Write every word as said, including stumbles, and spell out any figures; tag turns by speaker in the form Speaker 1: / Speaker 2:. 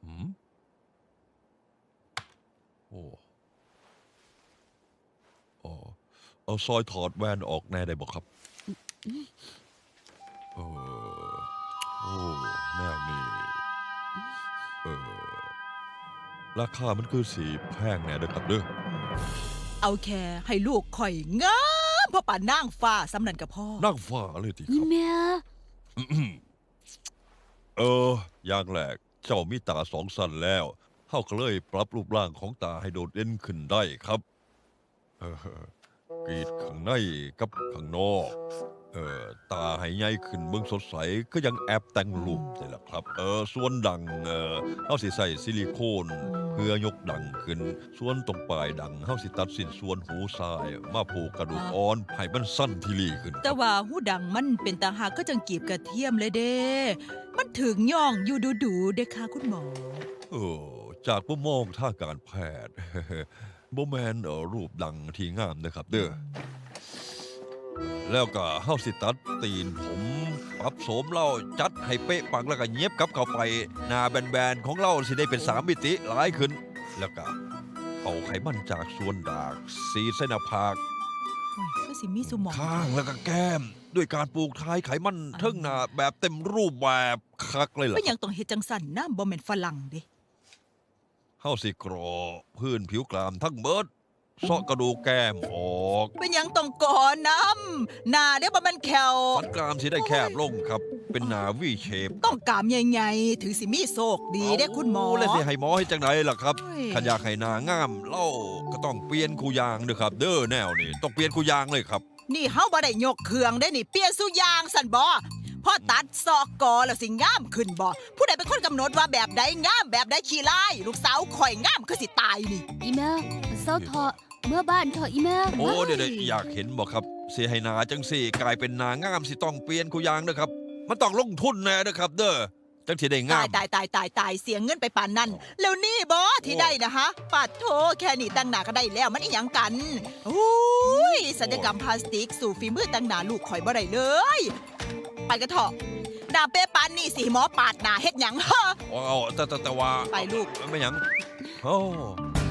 Speaker 1: หืมโอ้อ๋อเอาซอยถอดแว่นออกแน่ได้บอกครับเออโอ้แนวนี้เออราคามันคือสีแพงแน่เด้อครับเด้อ
Speaker 2: เอาแค่ให้ลูกข่อยงามพ่อป่านนางฟ้าสำนันกับพ่อ
Speaker 1: นั่งฟ้าเลยทีค
Speaker 3: อี
Speaker 1: รับ
Speaker 3: เมีย
Speaker 1: เอออย่างแรกเจ้ามีตาสองสั้นแล้วเฮาก็เลยปรับรูปร่างของตาให้โดดเด่นขึ้นได้ครับเออกรีดข้างในกับข้างนอกเออตาให้ใหญ่ขึ้นเบิ่งสดใสก็ยังแอบแต่งรูปนี่แหละครับเออส่วนดังเออเฮาสิใส่ซิลิโคนเพื่อยกดังขึ้นส่วนตรงปลายดังเฮาสิตัดสิ้นส่วนหูซ้ายมาผูกกระดูกอ่อนให้มันสั้นทีหลีขึ้น
Speaker 2: แต่ว่าหูดังมันเป็นตาหากก็จังกีบกระเทียมเลยเด้มันถึงย่องอยู่ดูดูๆเด้ค่ะคุณหมอ
Speaker 1: เออจากมุมมองทางการแพทย์ โบแมนเออรูปดังที่งามนะครับเด้อแล้วก็เฮาสิตัดตีนผมปรับโสมเล่าจัดให้เป๊ะปังแล้วก็เย็บกลับเข้าไปหน้าแบนๆของเราสิได้เป็นสามมิติหลายขึ้น แล้วก็เอาไขมันจากส่วนดากสีเส้นหน้าผาก
Speaker 2: โอ้ยก็สิมีสุหมอง
Speaker 1: ข้างแล้วก็แก้ม ด้วยการปลูกท้ายไขมันเทิงหน้าแบบเต็มรูปแบบคักเลยล่ะ
Speaker 2: เป็นหยังต้องเฮ็ดจังสั่นน้ำบ่แม่นฝรั่งเด้
Speaker 1: เฮาสิกรอพื้นผิวกรามทั้งเบิดเซาะกระดูกแก้มออก
Speaker 2: เป็นหยังต้องก่อนน้ำหน้าเด้บ่แม่นแขว
Speaker 1: ฟันกรามสิได้แคบลงครับ เป็นหนาวีเชฟ
Speaker 2: ต้องกามใหญ่ๆถือสิมีโชคดีเด้คุณหมอ
Speaker 1: แล้วสิให้หมอให้จังไหนล่ะครับ
Speaker 2: โอ้ย
Speaker 1: ขันอยากให้หนางามเล่าก็ต้องเปลี่ยนคูยางเด้อครับ เด้อแนวนี่ต้องเปลี่ยนคูยางเลยครับ
Speaker 2: นี่เฮาบ่ได้ยกเครื่องได้นี่เปลี่ยนสุยางสั่นบ่พอตัดซอกกอแล้วสิงามขึ้นบ่ผู้ใดเป็นคนกำหนดว่าแบบใดงามแบบใดขี้ร้ายลูกสาวข่อยงามคือสิตายนี่
Speaker 3: อีเมียเศร้าเถอะเมื่อบ้านเถอะอีเมีย
Speaker 1: โอ้เดี๋ยวๆอยากเห็นบ่ครับเสียให้หนาจังสี่กลายเป็นหนางามสิต้องเปลี่ยนคูยางเด้อครับ มันต้องลงทุนแน่เด้อครับ เด้อจังสิได้งา
Speaker 2: ตาม ยตายตายตายตายเสียเงินไปปานนั้น แล้วนี่บอที่ได้นะฮะปัดโทแค่นี้ตั้งหนาก็ได้แล้วมันอีหยังกันอุ้ยศัลยกรรมพลาสติกสู่ฝีมือตั้งหนาลูกข่อยบ่ได้เลย ไปกันเถอะหน้าเป๊ะปานนี่สิหมอปาดหน้าเฮ็ดหยังฮะ
Speaker 1: อ๋อแต่แต่แต่ว่า
Speaker 2: ไปลูก
Speaker 1: ไม่หยังโอ้